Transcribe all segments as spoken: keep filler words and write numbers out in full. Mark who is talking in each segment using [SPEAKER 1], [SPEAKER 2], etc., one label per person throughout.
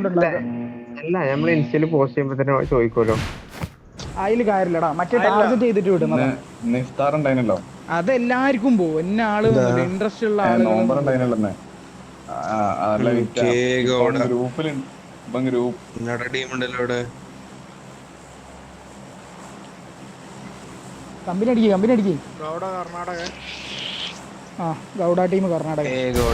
[SPEAKER 1] അല്ല നമ്മള് ഇൻസ്റ്റയില് പോസ്റ്റ് ചെയ്യുമ്പോ തന്നെ ചോദിക്കുമല്ലോ.
[SPEAKER 2] അതില് കാര്യമില്ലടാ, മറ്റേ ടാർഗറ്റ് ചെയ്തിട്ട് വിടുന്നതാ. അതെല്ലാവർക്കും പോവും, എന്നെ ആള് ഇൻട്രസ്റ്റ് ഉള്ള ആളുകൾ. കമ്പനി അടിക്കുക, കമ്പനി അടിക്കുക.
[SPEAKER 3] ഗൗഡ കർണാടക.
[SPEAKER 2] ആ ഗൗഡ ടീം കർണാടക.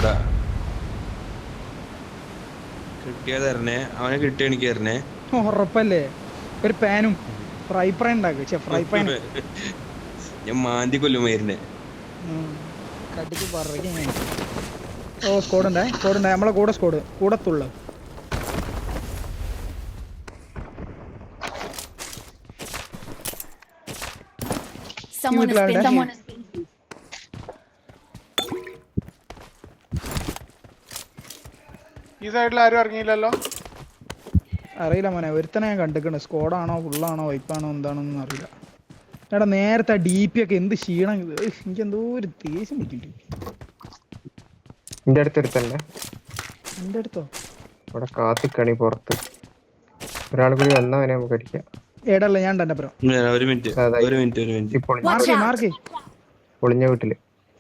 [SPEAKER 4] കിട്ടിയതരണേ, അവനെ കിട്ടിയ എനിക്ക് തരണേ.
[SPEAKER 2] ഉറപ്പല്ലേ? ഒരു പാനും ഫ്രൈ പാൻ ഉണ്ടാക്കുക, ഫ്രൈ പാൻ
[SPEAKER 4] ഞാൻ മാന്തി കൊല്ലുമായിരുന്നേ.
[SPEAKER 2] കടിച്ച് പറയും. ഓ സ്കോഡുണ്ടേ, സ്കോഡുണ്ടേ, നമ്മളെ കൂടെ സ്കോഡ് കൂടത്തുള്ള.
[SPEAKER 3] ഈ സൈഡിൽ ആരും ഇറങ്ങിയില്ലല്ലോ.
[SPEAKER 2] അറിയില്ല മോനെ, ഒരുത്തനെ ഞാൻ കണ്ടിക്കണ്. സ്കോഡാണോ ഫുള്ളാണോ വൈപ്പാണോ എന്താണെന്നൊന്നും അറിയില്ല. എടാ നേരത്തെ ഡി പി ഒക്കെ എന്ത് ക്ഷീണം, എനിക്ക് എന്തോ ഒരു ദേഷ്യം പിടിക്കുന്നുണ്ട്.
[SPEAKER 1] എന്റെ അടുത്തെടുത്തല്ലേ,
[SPEAKER 2] എന്റെ അടുത്തോ?
[SPEAKER 1] ഇവിടെ കാത്തിക്കണി പുറത്ത് ഒരാൾ കൂടി വന്നവനെ നമുക്ക് അടിക്കാം.
[SPEAKER 2] ഏടല്ല ഞാൻ തന്നെ അപ്പുറം.
[SPEAKER 4] ഒരു മിനിറ്റ് ഒരു മിനിറ്റ് ഒരു മിനിറ്റ്
[SPEAKER 2] മാർക്ക് മാർക്ക്
[SPEAKER 1] പൊളിഞ്ഞ വീട്ടില്.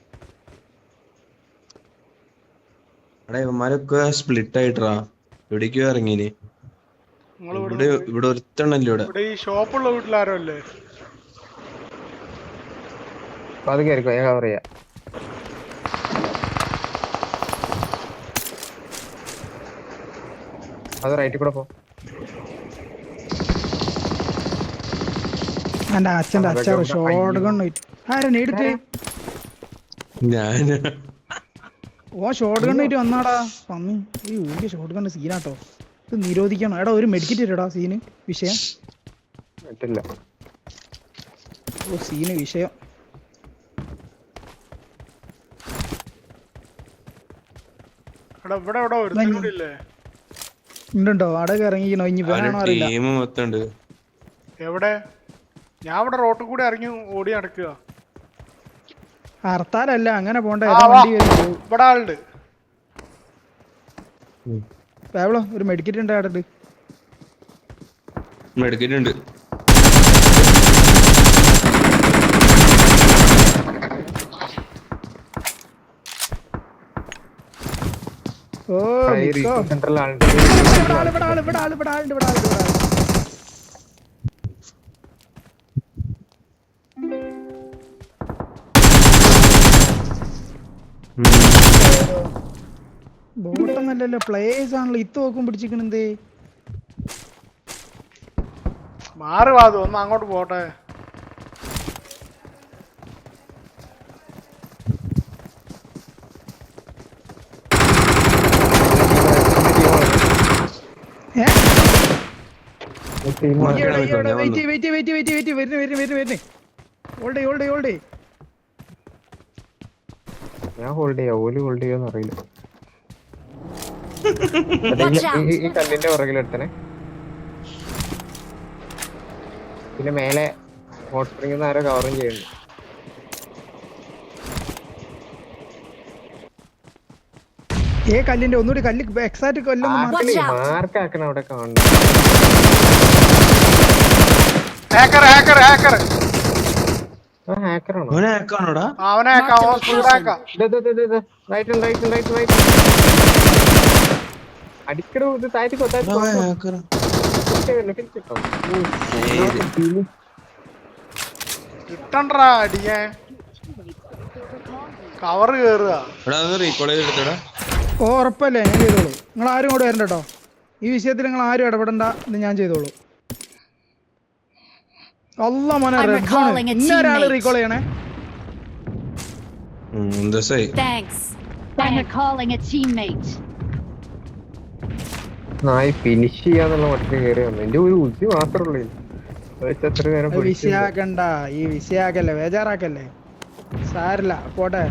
[SPEAKER 4] എടാ ഇവന്മാരൊക്കെ സ്പ്ലിറ്റ് ആയിട്ടാ എവിടേക്കോ ഇറങ്ങീന്. ഇവിടെ ഇവിടെ ഒരുത്തണ്ണല്ലോ ഇവിടെ.
[SPEAKER 3] ഈ ഷോപ്പുള്ള വീട്ടിലാരോ അല്ലേ?
[SPEAKER 1] അത് കയറിക്കോ, ഞാൻ കവർ ചെയ്യാം. അത് റൈറ്റിൽ കൂടെ പോ.
[SPEAKER 2] എന്റെ അച്ഛന്റെ അച്ഛൻ ഷോട്ട് ഗൺ ആരാ നേടിട്ട്?
[SPEAKER 4] ഞാൻ
[SPEAKER 2] ഓ ഷോട്ട് ഗൺ ആയിട്ട് വന്നാടാ പന്നി. ഈ ഊരിയ ഷോട്ട് ഗൺ സീനാട്ടോ, ഇത് നിരോധിക്കണം. എടാ ഒരു മെഡിക്കറ്റ് ഇരടാ, സീന് വിഷയം. ഓ സീന് വിഷയം. ഉണ്ടോ അടക ഇറങ്ങിക്കണോ? ഇനി വേണോ അറിയില്ല.
[SPEAKER 3] എവിടെ? ഞാൻ ഇവിടെ റോട്ടിൽ കൂടെ ഇറങ്ങി ഓടി നടക്കുക.
[SPEAKER 2] ഹർത്താലല്ല, അങ്ങനെ പോണ്ട. ഇവിടെ
[SPEAKER 3] ആളുണ്ട്.
[SPEAKER 2] പാവളോ ഒരു മെഡിക്കറ്റ് ഉണ്ട് അവിടെ.
[SPEAKER 4] മെഡിക്കറ്റ് ഉണ്ട്.
[SPEAKER 2] ഓ
[SPEAKER 1] സെൻട്രൽ ആളുണ്ട്.
[SPEAKER 2] ഇവിടെ ആള് ഇവിടെ ആള് ഇവിടെ ആളുണ്ട് ഇവിടെ ആളുണ്ട് ഇവിടെ ആള്. ബോട്ടൊന്നല്ലല്ലോ, പ്ലേയേഴ്സ് ആണല്ലോ. ഇത്ത് നോക്കും പിടിച്ചിരിക്കണെന്തേ?
[SPEAKER 3] മാറി വാതു ഒന്ന് അങ്ങോട്ട് പോട്ടെ.
[SPEAKER 1] ഞാൻ ഹോൾഡ് ചെയ്യാ, ഓല് ഹോൾഡ് ചെയ്യാന്ന് അറിയില്ല. ഈ കല്ലിന്റെ പുറകിലെടുത്തനെ. പിന്നെ മേലെ ഹോട്ട് സ്പ്രിംഗ് ആരോ കവറും ചെയ്യുന്നു.
[SPEAKER 2] ഏ കല്ലിന്റെ ഒന്നുകൂടി കല്ല് എക്സാക്ട് കൊല്ലം
[SPEAKER 1] മാർക്കാക്കണം അവിടെ കാണുന്നു. അടിക്കടോ ഇത് താഴ്ത്തിക്കോ താഴ്ത്തിക്കോ.
[SPEAKER 3] കിട്ടണ്ടാ അടിക്കാൻ കവറ് കേറുക.
[SPEAKER 2] ഓ ഉറപ്പല്ലേ, ഞാൻ ചെയ്തോളൂ. നിങ്ങൾ ആരും കൂടെ വരണ്ട കേട്ടോ ഈ വിഷയത്തിൽ. നിങ്ങൾ ആരും ഇടപെടണ്ട, ഇത് ഞാൻ ചെയ്തോളൂ. അല്ല മോനെ റെഡ് സോൺ ഇന്ന ഒരാള് റീകോൾ ചെയ്യണേ.
[SPEAKER 1] നായി ഫിനിഷ് ചെയ്യാന്നുള്ള മട്ടിൽ കയറി വന്നു. എന്റെ ഒരു ഉച്ചി മാത്രമേ ഉള്ളൂ.
[SPEAKER 2] വിഷയാക്കണ്ട, ഈ വിഷയാക്കല്ലേ, ബേജാറാക്കല്ലേ. സാരില്ല പോട്ടെ.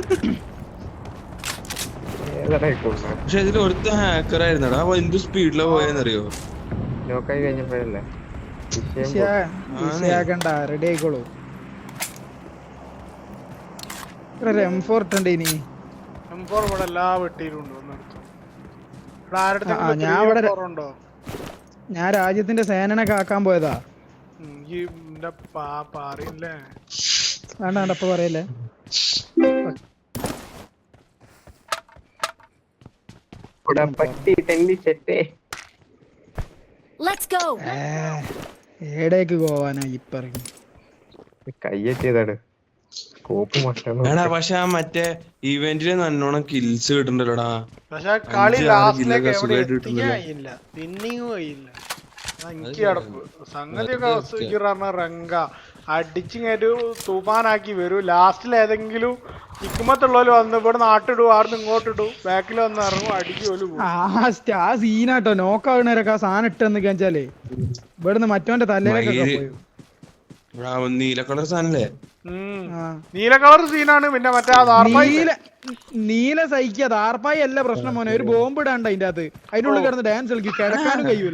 [SPEAKER 4] പക്ഷെ ഇതിൽ ഒരുത്ത ഹാക്കർ ആയിരുന്നടാ, എന്ത് സ്പീഡിലാ പോയെന്നറിയോ?
[SPEAKER 1] നോക്കായി കഴിഞ്ഞപ്പോഴല്ലേ.
[SPEAKER 2] വിഷയാക്കണ്ട, റെഡി ആയിക്കോളൂ. എം ഫോർ ഇട്ടുണ്ട്. ഇനി
[SPEAKER 3] എം ഫോർ ഇവിടെ എല്ലാ വെട്ടിയിലും ഉണ്ട്.
[SPEAKER 2] ഞാൻ ഇവിടെ ഞാൻ രാജ്യത്തിന്റെ സേനനെ കാക്കാൻ പോയതാ. വേണ്ട വേണ്ട ഇപ്പൊ പറയല്ലേ. ഏടേക്ക് പോവാനാ ഇപ്പറങ്ങി
[SPEAKER 1] കയ്യെത്തിയതാണ്.
[SPEAKER 4] പക്ഷെ ആ മറ്റേ ഇവന്റില് നല്ലോണം കിൽസ് കിട്ടുന്നുണ്ടല്ലോടാ.
[SPEAKER 3] പക്ഷെ കളി ലാസ്റ്റിലേക്ക് എവിടെ എത്തിക്കായില്ല, പിന്നെയും കഴിയില്ല. എനിക്ക് സംഗതിയൊക്കെ റങ്ക അടിച്ചിങ്ങൊരു തൂഫാനാക്കി വരും. ലാസ്റ്റിൽ ഏതെങ്കിലും ഇക്കുമത്തുള്ളവര് വന്ന് ഇവിടെ നാട്ടിടൂ, ആർന്ന് ഇങ്ങോട്ടിടൂ, ബാക്കിൽ വന്ന് ഇറങ്ങും, അടിക്കുമല്ലോ.
[SPEAKER 2] ആ സീനാട്ടോ നോക്കാവുന്നവരൊക്കെ ആ സാധനം ഇട്ടെന്നൊക്കെ വെച്ചാലേ ഇവിടുന്ന് മറ്റോന്റെ തലേനൊക്കെ
[SPEAKER 4] നീല കളർ സാധനല്ലേ?
[SPEAKER 3] നീല കളർ സീനാണ്. പിന്നെ മറ്റേ
[SPEAKER 2] നീല സഹിക്കുക ദാർപ്പായി അല്ല പ്രശ്നം മോനെ. ഒരു ബോംബ് ഇടാണ്ട് അതിന്റെ അകത്ത്, അതിനുള്ളിൽ കിടന്ന് ഡാൻസ് കളിക്കും, കിടക്കാനും കഴിയൂല.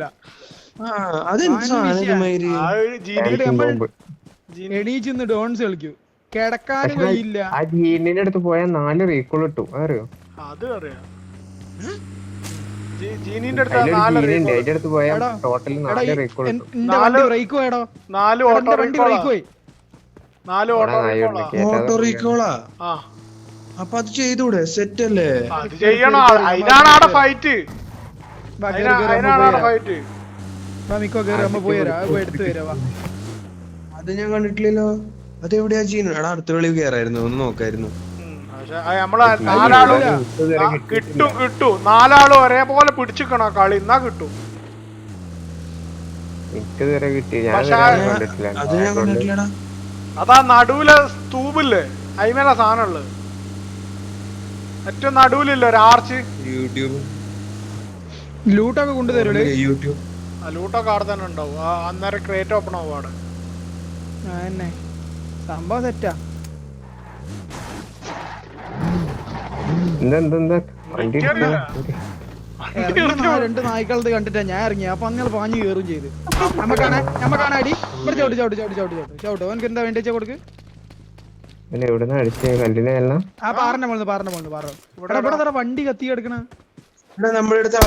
[SPEAKER 2] എണീച്ചിന്ന് ഡോൺസ് കളിക്കും, കിടക്കാനും കഴിയില്ല.
[SPEAKER 1] ആ ജീനിന്റെ അടുത്ത് പോയാൽ നാല് റീകോൾ കിട്ടും, അറിയോ?
[SPEAKER 3] അത് അറിയാം.
[SPEAKER 1] അടുത്ത് പോയാൽ ടോട്ടൽ നാല് റീകോൾ കിട്ടും.
[SPEAKER 4] ഓട്ടോ റീകോളാ? അപ്പൊ അത് ചെയ്തൂടെ? സെറ്റ് അല്ലേ?
[SPEAKER 3] ചെയ്യണം, അതിനാണ് അവിടെ ഫൈറ്റ്. ഫൈറ്റ്
[SPEAKER 4] അത് ഞാൻ കണ്ടിട്ടില്ലല്ലോ. അത് എവിടെയാ ചെയ്യുന്നത്? എടാ അടുത്ത വെളി കയറായിരുന്നു, ഒന്ന് നോക്കായിരുന്നു.
[SPEAKER 3] നാലാളും കിട്ടും കിട്ടും നാലാളും ഒരേപോലെ പിടിച്ചിക്കണോ കളി, എന്നാ കിട്ടും. അതാ നടുവിലെ സ്തൂപില്ലേ, അതിമേല സാധനം ഉള്ളത്. ഏറ്റവും നടുവിലില്ല ഒരു ആർച്ച്.
[SPEAKER 4] യൂട്യൂബ്
[SPEAKER 2] ലൂട്ടൊക്കെ കൊണ്ടുതരൂലേ?
[SPEAKER 4] യൂട്യൂബ്
[SPEAKER 3] ലൂട്ടൊക്കെ അവിടെ തന്നെ ഉണ്ടാവും. അന്നേരം ക്രേറ്റ് ഓപ്പൺ ആവും അവിടെ.
[SPEAKER 2] സംഭവം സെറ്റാ. രണ്ട് നായ്ക്കളത് കണ്ടിട്ടാ ഞാൻ ഇറങ്ങി. അപ്പൊ അങ്ങനെ പാഞ്ഞു കയറും ചെയ്ത്. നമ്മക്കാണ് നമ്മക്കാണ് അടി. ഇവിടെ ചവിട്ട് ചവിട്ട് ചവിട്ട് ചവിട്ട് ചവിട്ട് ചവിട്ട് അവനക്ക് എന്താ വേണ്ടി കൊടുക്ക്. ആ പാറിന്റെ മോള് പാറിന്റെ മോള് പാറ. ഇവിടെ ഇവിടെ വണ്ടി കത്തി കിടക്കണ
[SPEAKER 4] നമ്മുടെ അടുത്ത്.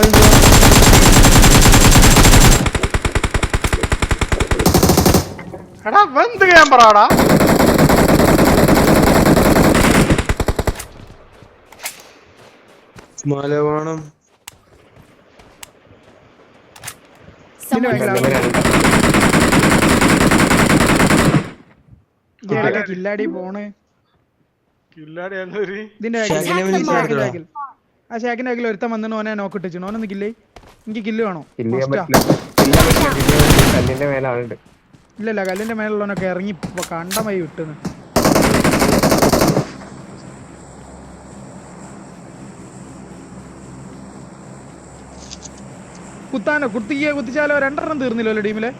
[SPEAKER 3] എടാ വെന്ത് ക്യാമ്പറാടാ.
[SPEAKER 4] മലവാണം
[SPEAKER 2] കില്ലാടി പോണ്.
[SPEAKER 3] കില്ലാടി
[SPEAKER 2] ഇതിന്റെ ആ ഷാക്കിന്റെ ബാക്കിൽ ഒരുത്തൻ വന്നിട്ട് ഓനെ നോക്കിട്ടിച്ചു. ഓനൊന്ന് കില്ലേ. എനിക്ക് കില്ല് വേണോ? ഇല്ലല്ല കല്ലിന്റെ മേലുള്ളവനൊക്കെ ഇറങ്ങി കണ്ടമായി വിട്ടുന്നു. കുത്താനോ കുത്തിക്കോ കുത്തിച്ചാലോ? രണ്ടെണ്ണം തീർന്നില്ലല്ലോ ടീമിലെ.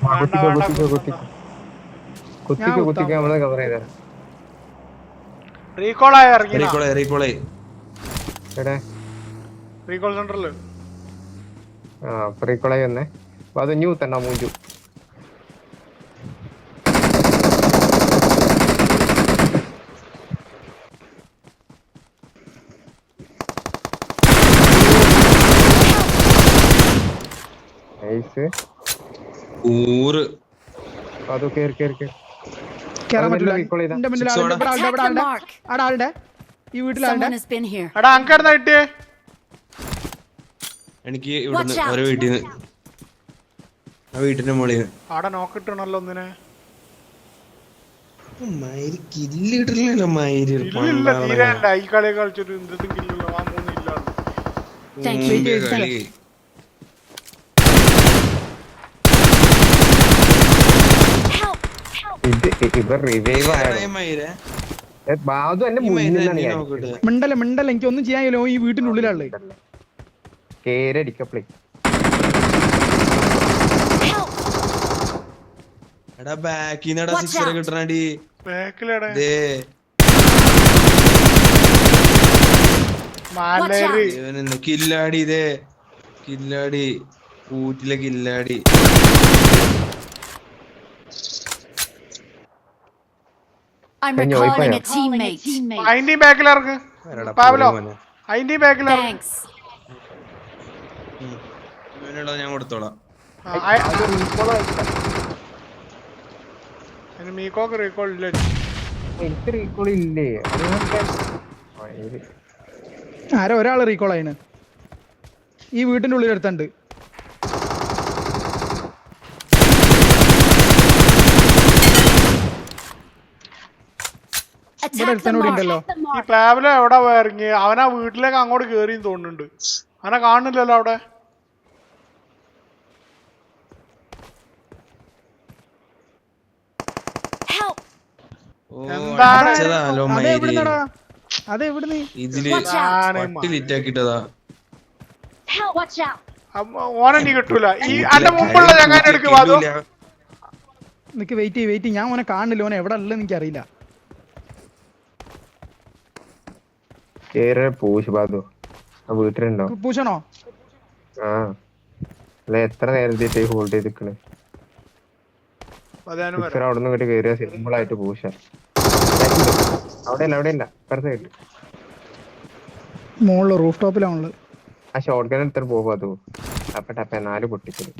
[SPEAKER 1] അത് ന്യൂ തന്നെ മൂഞ്ചു.
[SPEAKER 4] എനിക്ക് ഇവിടുന്ന് ഓരോ വീട്ടിന്ന് ആ വീട്ടിന്റെ മോളിൽ
[SPEAKER 3] അവിടെ നോക്കിട്ടണല്ലോ ഒന്നിനെ.
[SPEAKER 4] മയിര് കില്ല് കിട്ടില്ലല്ലോ. മയിര്
[SPEAKER 3] ഈ കളി കളിച്ചിട്ട് എന്തും കില്ലല്ലോ. ആ മൂന്നില്ല
[SPEAKER 4] കളി.
[SPEAKER 2] മിണ്ടല്ല മിണ്ടല്ല എനിക്ക് ഒന്നും ചെയ്യാനല്ലോ. ഈ വീട്ടിന്റെ ഉള്ളിലാളേ
[SPEAKER 4] എടാ ബാക്കിന്നടാ സിക്സർ കിട്ടണടി. കില്ലാടി ഇതേ കില്ലാടി ഊറ്റിലെ കില്ലാടി.
[SPEAKER 5] I'm recalling a teammate.
[SPEAKER 3] അതിന്റെ ബാക്കിൽ ഇറങ്ങ് പാവലോ. അതിന്റെ ബാക്കിൽ
[SPEAKER 5] Thanks.
[SPEAKER 4] അവനുള്ളത് ഞാൻ കൊടുത്തോളാം.
[SPEAKER 3] മീക്കോക്ക് റീകോൾ ഇല്ല.
[SPEAKER 1] എനിക്ക് റീകോൾ ഇല്ലേ?
[SPEAKER 2] ആരോ ഒരാള് റീകോൾ ആയിന്. ഈ വീട്ടിന്റെ ഉള്ളിൽ എടുത്തുണ്ട്.
[SPEAKER 5] Attack the mark.
[SPEAKER 2] ഉണ്ടല്ലോ.
[SPEAKER 3] ഈ പാവല എവിടെ ഇറങ്ങി? അവനാ വീട്ടിലേക്ക് അങ്ങോട്ട് കേറിയും തോന്നുന്നുണ്ട്. അവനെ കാണുന്നില്ലല്ലോ അവിടെ.
[SPEAKER 5] Help.
[SPEAKER 4] ഓ,
[SPEAKER 3] എന്താണ്?
[SPEAKER 4] അടിച്ചതാ
[SPEAKER 2] അതെ
[SPEAKER 4] ലോമയില്.
[SPEAKER 2] എവിടുന്നടാ? അതെ എവിടുന്ന്?
[SPEAKER 4] ഇതില്
[SPEAKER 5] Watch out.
[SPEAKER 4] പട്ടി ലിറ്റാക്കിട്ടതാ.
[SPEAKER 5] Help. Watch out.
[SPEAKER 3] ഓനെ നീ കിട്ടൂല. ഈ അന്റെ മുമ്പുള്ള ചങ്ങാനെ എടുക്ക് വാദോ.
[SPEAKER 2] നിക്ക് വെയിറ്റ് ചെയ്യ് വെയിറ്റ് ഞാൻ ഓനെ കാണുന്നില്ല. ഓനെ എവിടെ ഉള്ളത് എനിക്ക് അറിയില്ല.
[SPEAKER 1] പൂശ് ബാധു ആ വീട്ടിലുണ്ടോ?
[SPEAKER 2] പൂശണോ?
[SPEAKER 1] ആ അല്ല എത്ര നേരത്തെ ഹോൾഡ് ചെയ്ത് നിക്കണേ? അവിടെ നിന്ന് ഇങ്ങോട്ട് കയറിയ സിമ്പിൾ ആയിട്ട് പൂശ. അവിടെ അല്ല അവിടെ അല്ല ഇപ്പുറത്തെ സൈഡ്
[SPEAKER 2] മോളില് റൂഫ് ടോപ്പിലാണുള്ളത്.
[SPEAKER 1] ആ ഷോർട്ട് ഗൺ എടുത്തിട്ട് പോകും. അതോ ടപ്പ ടപ്പ നാല് പൊട്ടിക്കല്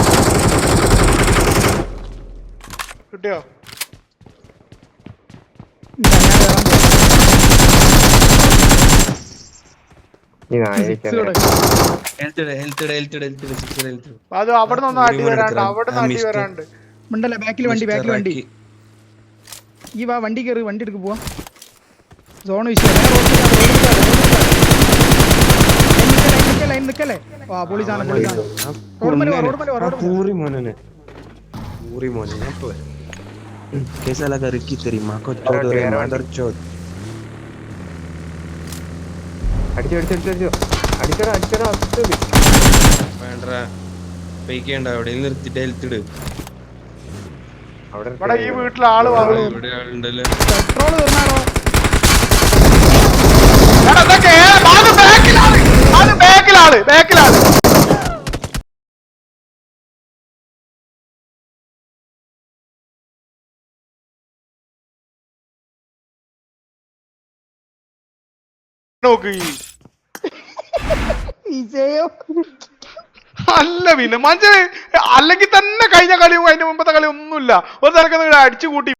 [SPEAKER 3] കിട്ടിയോ?
[SPEAKER 1] ഈ നായക്കാൻ
[SPEAKER 3] അത് അവിടെ നിന്ന് അടി വരാണ്ട് അവിടെ നിന്ന് അടി വരാണ്ട്.
[SPEAKER 2] ഉണ്ടല്ലേ ബാക്കിൽ വണ്ടി ബാക്കിൽ വണ്ടി. ഈ വാ വണ്ടി കയറി വണ്ടി എടുക്ക് പോവാ. സോൺ വിഷയം ലൈൻ നിക്കല്ലേ. വാ പൊളി സാധനം പൊളി സാധനം. റോഡ് മല റോഡ് മല റോഡ്
[SPEAKER 4] പൂറി മോനെ പൂറി മോനെ ഞാൻ പോയി. कैसा लगा रिक्की तेरी माँ को चोद रे मदर चोद.
[SPEAKER 1] അടിച്ചോ അടിച്ചോ അടിച്ചോ അടിച്ചോ അടിച്ചോ അടിച്ചോ.
[SPEAKER 4] വേണ്ടടാ പൈക്കേണ്ട അവിടെ നിർത്തിട്ട് ഹെൽത്തിട്.
[SPEAKER 3] ഇവിടെ ഈ വീട്ടിലെ ആള് വന്നു.
[SPEAKER 4] ഇവിടെ ആളുണ്ടല്ലോ.
[SPEAKER 2] പെട്രോൾ തീർന്നാണോ?
[SPEAKER 3] ബാക്കിലാണ് ബാക്കിലാണ് ബാക്കിലാണ്. നോക്ക് അല്ല പിന്നെ മഞ്ച അല്ലെങ്കിൽ തന്നെ കഴിഞ്ഞ കളിയും അതിന്റെ മുമ്പത്തെ കളി ഒന്നുമില്ല. ഒരു തലക്ക് അടിച്ചു കൂട്ടി